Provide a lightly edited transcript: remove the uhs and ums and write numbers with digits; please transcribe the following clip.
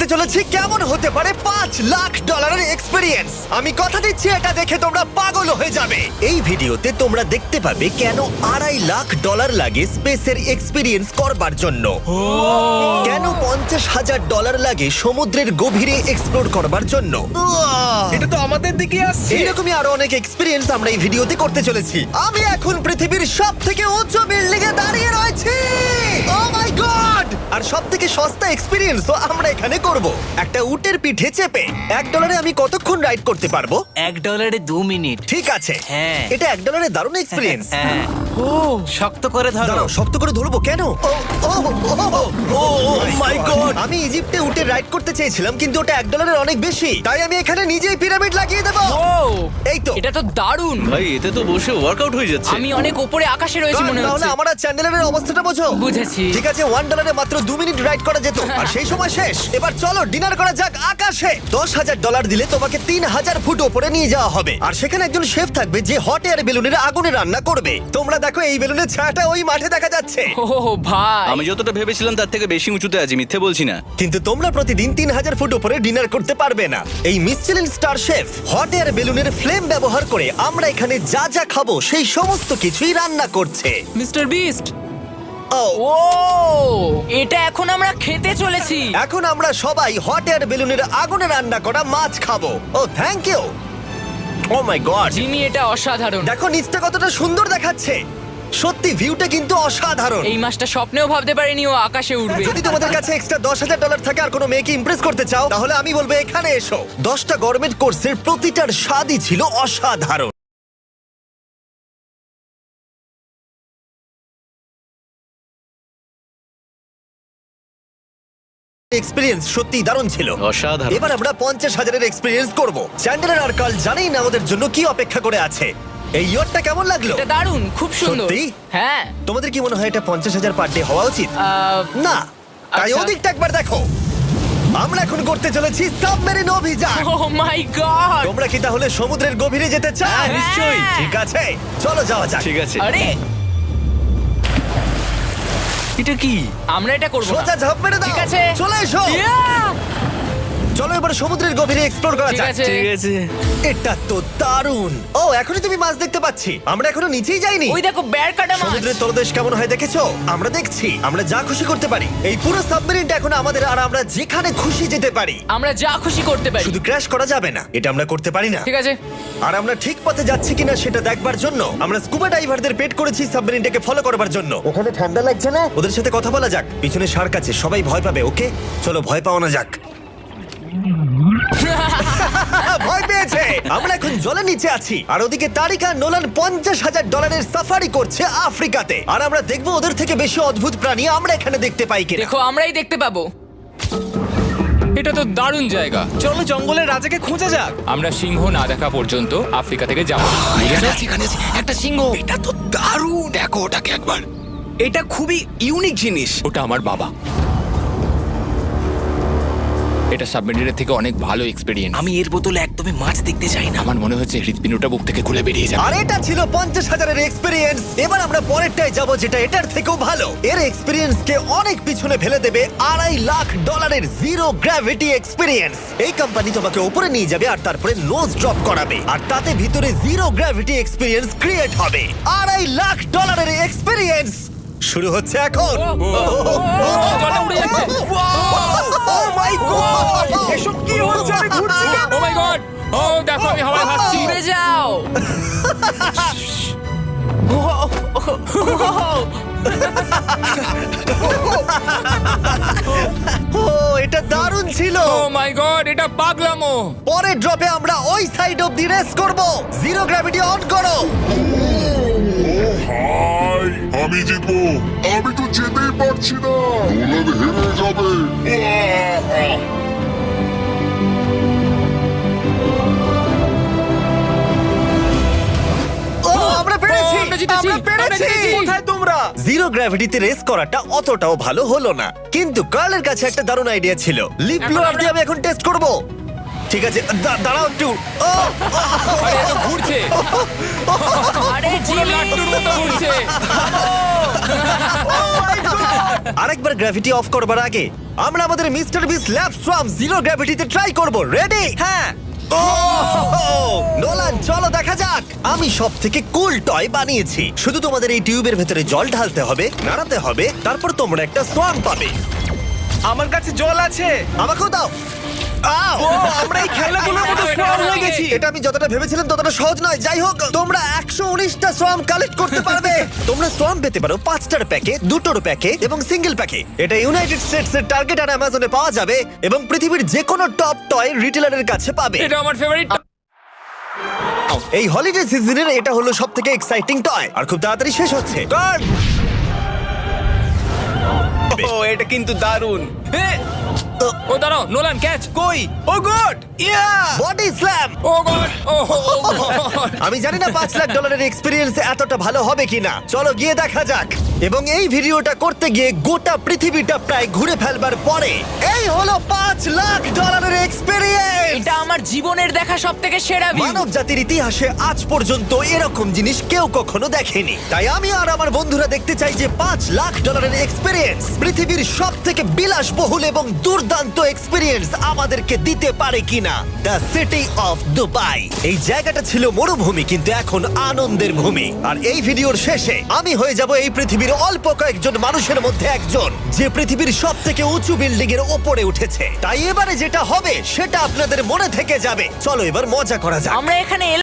করতে চলেছি কেমন হতে পারে $5 লাখ এক্সপিরিয়েন্স। আমি কথা দিচ্ছি এটা দেখে তোমরা পাগল হয়ে যাবে। এই ভিডিওতে তোমরা দেখতে পাবে কেন $2.5 লাখ লাগে স্পেসের এক্সপিরিয়েন্স করবার জন্য, কেন $50,000 লাগে সমুদ্রের গভীরে এক্সপ্লোর করবার জন্য। এটা তো আমাদের দিকে আসছে। এইরকমই আরো অনেক এক্সপিরিয়েন্স আমরা এই ভিডিওতে করতে চলেছি। আমি এখন পৃথিবীর সবথেকে উঁচু বিল্ডিং এ দাঁড়িয়ে রয়েছি। ও মাই গড! আর সবথেকে সস্তা এক্সপিরিয়েন্সও আমরা এখানে করব, একটা উটের পিঠে চেপে। $1 আমি কতক্ষণ রাইড করতে পারবো? $1 2 মিনিট। ঠিক আছে, হ্যাঁ। এটা $1 দারুণ এক্সপিরিয়েন্স। হ্যাঁ। ও শক্ত করে ধরো। দাঁড়াও, শক্ত করে ধরবো কেন? My god! আমি ইজিপ্টে উটে রাইড করতে চেয়েছিলাম, কিন্তু ওটা $1 অনেক বেশি, তাই আমি এখানে নিজেই পিরামিড লাগিয়ে দেবো। ও এই তো। এটা তো দারুণ। ভাই এতে তো বসে ওয়ার্কআউট হয়ে যাচ্ছে। আমি অনেক উপরে আকাশে রয়েছি মনে তাহলে হচ্ছে। আমার আর চ্যান্ডেলের অবস্থাটা বোঝো। বুঝেছি। ঠিক আছে, $1 মাত্র 2 মিনিট রাইড করা যেত, আর সেই সময় শেষ। এবার চলো ডিনার করা যাক আকাশে। $10,000 দিলে তোমাকে 3000 ফুট উপরে নিয়ে যাওয়া হবে, আর সেখানে একজন শেফ থাকবে যে হট এয়ার বেলুনের আগুনে রান্না করবে। তোমরা দেখো এই বেলুনের ছায়াটা ওই মাঠে দেখা যাচ্ছে। ও ভাই, আমি যতটা ভেবেছিলাম তার থেকে বেশি উঁচুতে আছি, মিথ্যে বলছি না। কিন্তু তোমরা প্রতিদিন 3000 ফুট উপরে ডিনার করতে পারবে না। এই Michelin star chef hot air বেলুনের ফ্লেম ব্যবহার করে আমরা এখানে যা যা খাবো সেই সমস্ত কিছুই রান্না করছে। Mister beast. ও ও এটা এখন আমরা খেতে চলেছি। এখন আমরা সবাই হট এয়ার বেলুনের আগুনে রান্না করা মাছ খাবো। Oh thank you. Oh my god, Jimmy এটা অসাধারণ। দেখো নিচটা কতটা সুন্দর দেখাচ্ছে। সত্যি ভিউটা কিন্তু অসাধারণ। এই মাসটা স্বপ্নেও ভাবতে পারিনি ও আকাশে উঠবে। যদি তোমাদের কাছে এক্সট্রা $10,000 থাকে আর কোনো মেয়েকে ইমপ্রেস করতে চাও, তাহলে আমি বলবো এখানে এসো। 10টা গরমেন্ট কোর্সের প্রতিটার স্বাদই ছিল অসাধারণ। এক্সপিরিয়েন্স সত্যি দারুণ ছিল, অসাধারণ। এবার আমরা 50,000 এক্সপিরিয়েন্স করব। চ্যান্ডেলার আর কার্ল জানেই না আমাদের জন্য কি অপেক্ষা করে আছে। এই ইয়ারটা কেমন লাগলো? এটা দারুণ, খুব সুন্দর। সত্যি? হ্যাঁ। তোমাদের কি মনে হয় এটা 50,000 পার ডে হওয়া উচিত? না, তাই আচ্ছা। ওদিকটা একবার দেখো। আমরা এখন করতে চলেছি সাবমেরিন অভিযান। Oh my god. তোমরা কি তাহলে সমুদ্রের গভীরে যেতে চাও? হ্যাঁ, নিশ্চয়ই। ঠিক আছে, চলো যাওয়া যাক। ঠিক আছে। আরে এটা কি? আমরা এটা করব না। সোজা ঝাঁপ মেরে দাও। ঠিক আছে। চলে এসো। Yeah! চলো এবার সমুদ্রের গভীরে এক্সপ্লোর করা ঠিক যাক। আছে। ঠিক আছে। এটা তো দারুণ। ও এখনই তুমি মাছ দেখতে পাচ্ছি, আমরা এখনো নিচেই যাইনি। ওই দেখো বের কাটা মাছ। সমুদ্রের তলদেশ কেমন হয় দেখেছো? আমরা দেখছি, আমরা যা খুশি করতে পারি। এই পুরো সাবমেরিনটা এখন আমাদের, আর আমরা যেখানে খুশি যেতে পারি। আমরা যা খুশি করতে পারি। শুধু ক্র্যাশ করা যাবে না, এটা আমরা করতে পারি না। ঠিক আছে। আর আমরা ঠিক পথে যাচ্ছি কিনা সেটা দেখবার জন্য আমরা স্কুবা ডাইভারদের পেড করেছি সাবমেরিনটাকে ফলো করবার জন্য। ওখানে ঠান্ডা লাগছে না? ওদের সাথে কথা বলা যাক। পিছনে শার্ক আছে, সবাই ভয় পাবে। ওকে চলো ভয় পাওয়া না যাক। ভয় পেয়েছে। আমরা এখন জলের নিচে আছি, আর ওদিকে তারিকা নোলান $50,000 সাফারি করছে আফ্রিকাতে। আর আমরা দেখবো ওদের থেকে বেশি অদ্ভুত প্রাণী আমরা এখানে দেখতে পাই কিনা। দেখো আমরাই দেখতে পাবো। এটা তো দারুণ জায়গা। চলো জঙ্গলের রাজাকে খোঁজা যাক। আমরা সিংহ না দেখা পর্যন্ত আফ্রিকা থেকে যাব। একটা সিংহ। এটা তো দারুণ। দেখো ওটাকে একবার। এটা খুবই ইউনিক জিনিস। ওটা আমার বাবা। এটা সাবমেরিনের থেকে অনেক ভালো এক্সপেরিয়েন্স। আমি এর বোতলে একদমই মাছ দেখতে চাই না। আমার মনে হচ্ছে হৃৎপিণ্ডটা বুক থেকে খুলে বেরিয়ে যাবে। আর এটা ছিল 50,000 এক্সপিরিয়েন্স। এবার আমরা পরেরটায় যাব, যেটা এটার থেকেও ভালো। এর এক্সপিরিয়েন্স কে অনেক পিছনে ফেলে দেবে। $2.5 লাখ জিরো গ্র্যাভিটি এক্সপিরিয়েন্স। এই কোম্পানি তোমাকে উপরে নিয়ে যাবে আর তারপরে নোজ ড্রপ করাবে, আর তাতে ভিতরে জিরো গ্র্যাভিটি এক্সপিরিয়েন্স ক্রিয়েট হবে। $2.5 এক্সপিরিয়েন্স শুরু হচ্ছে এখন। জলে উড়ে যাচ্ছে। ও মাই গড, এসব কি হচ্ছে? আমি ঘুরছি কেন? ও মাই গড! ও দেখো আমি হাওয়ায় ভাসছি। উড়ে যাও। ও এটা দারুণ ছিল। ও মাই গড, এটা পাগলামো। পরের ড্রপে আমরা ওই সাইড অফ দি রেস করব। জিরো গ্র্যাভিটি অন করো। হাই, আমি জিতবো। আমি তো যেতেই পারছি না, নোলান হেরে যাবে। ও আমরা পেরেছি, আমরা জিতেছি, আমরা পেরেছি। আমরা জিতেছি। কোথায় তোমরা? জিরো গ্র্যাভিটিতে রেস করাটা অতটাও ভালো হলো না, কিন্তু কার্লের কাছে একটা দারুণ আইডিয়া ছিল। লিপ এখন ব্লোয়ার আমরা- দিয়ে আমি এখন টেস্ট করব। ঠিক আছে, দাঁড়াও একটু। ও, আরে এ তো ঘুরছে আরে পুরো জিমি লাট্টুর মতো ঘুরছে। আরেকবার গ্র্যাভিটি অফ করবার আগে আমরা আমাদের mister Beast lab swarm zero গ্র্যাভিটিতে ট্রাই করব। রেডি? হ্যাঁ। নোলান, চলো দেখা যাক। আমি সব থেকে কুল টয় বানিয়েছি। শুধু তোমাদের এই টিউবের ভেতরে জল ঢালতে হবে, নাড়াতে হবে, তারপর তোমরা একটা সোয়াম পাবে। আমার কাছে জল আছে। আমাকেও দাও। আও! আমরা এই খেলাগুলোর মতো স্ট্রং হয়ে গেছি। এটা আমি যতটা ভেবেছিলাম ততটা সহজ নয়। যাই হোক, তোমরা 119টা সোয়াম কালেক্ট করতে পারবে। তোমরা সোয়াম পেতে পারো 5টার প্যাকে, 2টোর প্যাকে এবং সিঙ্গেল প্যাকে। এটা ইউনাইটেড স্টেটস এর টার্গেট আর অ্যামাজনে পাওয়া যাবে এবং পৃথিবীর যে কোনো টপ টয় রিটেলারের কাছে পাবে। এটা আমার ফেভারিট। এই হলিডে সিজনের এটা হলো সবথেকে এক্সাইটিং টয় আর খুব তাড়াতাড়ি শেষ হচ্ছে। Turn! ও এটা কিন্তু দারুণ। ও দাঁড়াও, নোলান ক্যাচ। কই? Oh god! Yeah! Body slam! Oh god, oh god. আমি জানি না $5 লাখ এক্সপিরিয়েন্স এতটা ভালো হবে কিনা। চলো গিয়ে দেখা যাক। এবং এই ভিডিওটা করতে গিয়ে গোটা পৃথিবীটা প্রায় ঘুরে ফেলবার পরে এই হলো $5 লাখ এক্সপিরিয়েন্স। এটা আমার জীবনের দেখা সবথেকে সেরা ভিউ। মানব জাতির ইতিহাসে আজ পর্যন্ত এরকম জিনিস কেউ কখনো দেখেনি। তাই আমি আর আমার বন্ধুরা দেখতে চাই যে $5 লাখ এক্সপিরিয়েন্স পৃথিবীর সব থেকে বিলাসবহুল এবং দুর্দান্ত এক্সপিরিয়েন্স আমাদেরকে দিতে পারে কিনা। The city of Dubai. এই জায়গাটা ছিল মরুভূমি কিন্তু এখন আনন্দের ভূমি। আর এই ভিডিওর শেষে আমি হয়ে যাব এই পৃথিবীর অল্প কয়েকজন মানুষের মধ্যে একজন যে পৃথিবীর সব থেকে উঁচু বিল্ডিং এর ওপরে উঠেছে। তাই এবারে যেটা হবে সেটা আপনাদের মনে থেকে যাবে। চলো এবার মজা করা যাক। আমরা এখানে